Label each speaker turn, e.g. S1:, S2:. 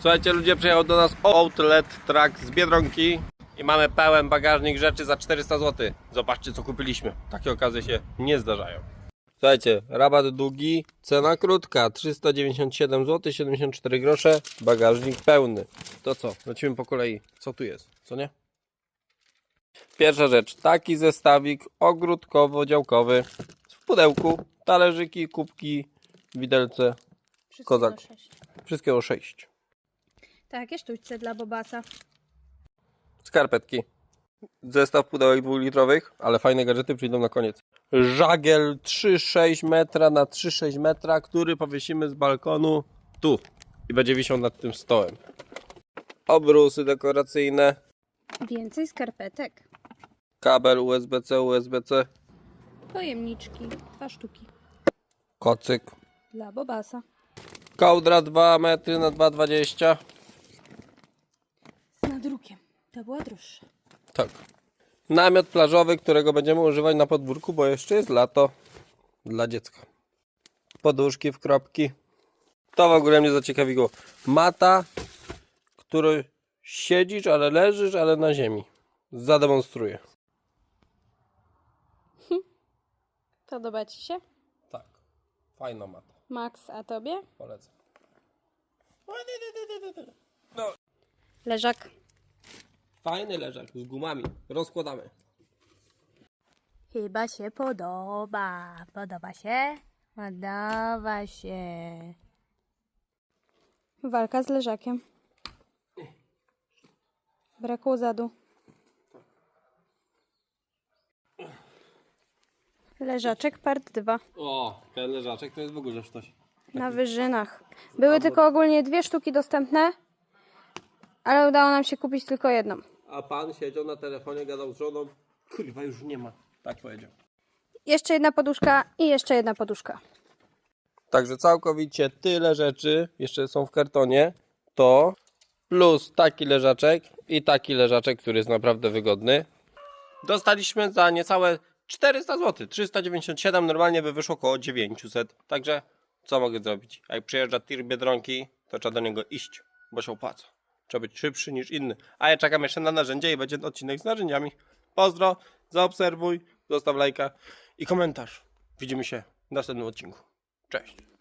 S1: Słuchajcie, ludzie, przyjechał do nas Outlet Truck z Biedronki i mamy pełen bagażnik rzeczy za 400 zł. Zobaczcie, co kupiliśmy. Takie okazje się nie zdarzają. Słuchajcie, rabat długi, cena krótka, 397 zł 74 grosze, bagażnik pełny. To co? Lecimy po kolei. Co tu jest? Co nie? Pierwsza rzecz, taki zestawik ogródkowo-działkowy w pudełku, talerzyki, kubki, widelce, kozak. Wszystkiego 6.
S2: Takie sztućce dla Bobasa.
S1: Skarpetki. Zestaw pudełek 2-litrowych, ale fajne gadżety przyjdą na koniec. Żagiel 3,6 metra na 3,6 metra, który powiesimy z balkonu tu i będzie wisiał nad tym stołem. Obrusy dekoracyjne,
S2: Więcej skarpetek.
S1: kabel USB-C, USB-C,
S2: Pojemniczki. 2 sztuki.
S1: kocyk,
S2: Dla Bobasa.
S1: kołdra 2 metry na 2,20.
S2: Z nadrukiem. To była droższa.
S1: Tak. Namiot plażowy, którego będziemy używać na podwórku, bo jeszcze jest lato dla dziecka. Poduszki w kropki. To w ogóle mnie zaciekawiło. Mata, który siedzisz, ale leżysz, ale na ziemi. Zademonstruję.
S2: Podoba Ci się?
S1: Tak. Fajna mata.
S2: Max, a Tobie?
S1: Polecam.
S2: Leżak.
S1: Fajny leżak z gumami. Rozkładamy.
S2: Chyba się podoba. Podoba się? Podoba się. Walka z leżakiem. Brakło zadu. Leżaczek part 2.
S1: O, ten leżaczek to jest w ogóle coś.
S2: Na wyżynach. Były tylko ogólnie 2 sztuki dostępne, ale udało nam się kupić tylko jedną.
S1: A pan siedział na telefonie, gadał z żoną. Kurwa, już nie ma. Tak powiedział.
S2: Jeszcze jedna poduszka i jeszcze jedna poduszka.
S1: Także całkowicie tyle rzeczy jeszcze są w kartonie. To plus taki leżaczek i taki leżaczek, który jest naprawdę wygodny. Dostaliśmy za niecałe 400 zł. 397, normalnie by wyszło około 900. Także co mogę zrobić? Jak przyjeżdża tir Biedronki, to trzeba do niego iść, bo się opłaca. Trzeba być szybszy niż inny. A ja czekam jeszcze na narzędzie i będzie odcinek z narzędziami. Pozdro, zaobserwuj, zostaw lajka i komentarz. Widzimy się w następnym odcinku. Cześć.